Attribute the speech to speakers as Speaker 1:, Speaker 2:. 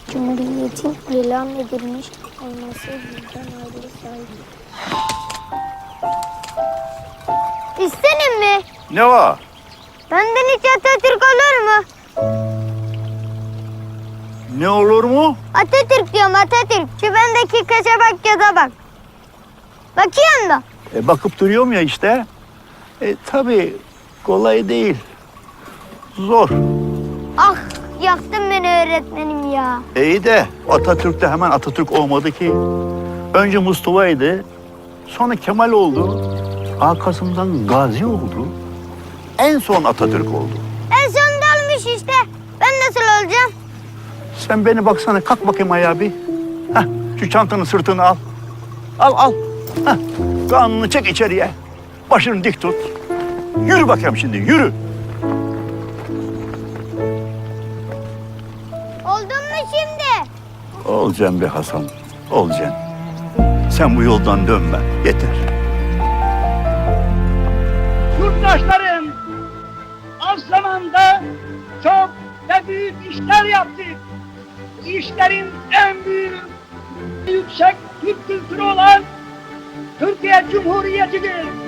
Speaker 1: Cumhuriyetin ilan edilmiş olması bizden ayrı saygı. İstenim mi?
Speaker 2: Ne var?
Speaker 1: Benden hiç Atatürk olur mu?
Speaker 2: Ne olur mu?
Speaker 1: Atatürk diyorum Atatürk. Şu bendeki kaşa bak ya da bak. Bakıyorsun da.
Speaker 2: Bakıp duruyorum ya işte. Tabii kolay değil. Zor.
Speaker 1: Ah yaktın beni öğretmenim ya.
Speaker 2: İyi de Atatürk de hemen Atatürk olmadı ki. Önce Mustafa'ydı. Sonra Kemal oldu. Arkasından Gazi oldu. En son Atatürk oldu.
Speaker 1: En sonunda olmuş işte. Ben nasıl olacağım?
Speaker 2: Sen beni baksana, kalk bakayım ayağa bir. Heh, şu çantanı sırtını al. Al. Heh, karnını çek içeriye. Başını dik tut. Yürü bakayım şimdi, yürü.
Speaker 1: Oldun mu şimdi?
Speaker 2: Olacaksın be Hasan, olacaksın. Sen bu yoldan dönme, yeter.
Speaker 3: Yurttaşlarım, az zamanda çok ve büyük işler yaptık. Bu işlerin en büyük, yüksek Türk kültürü olan Türkiye Cumhuriyeti'dir.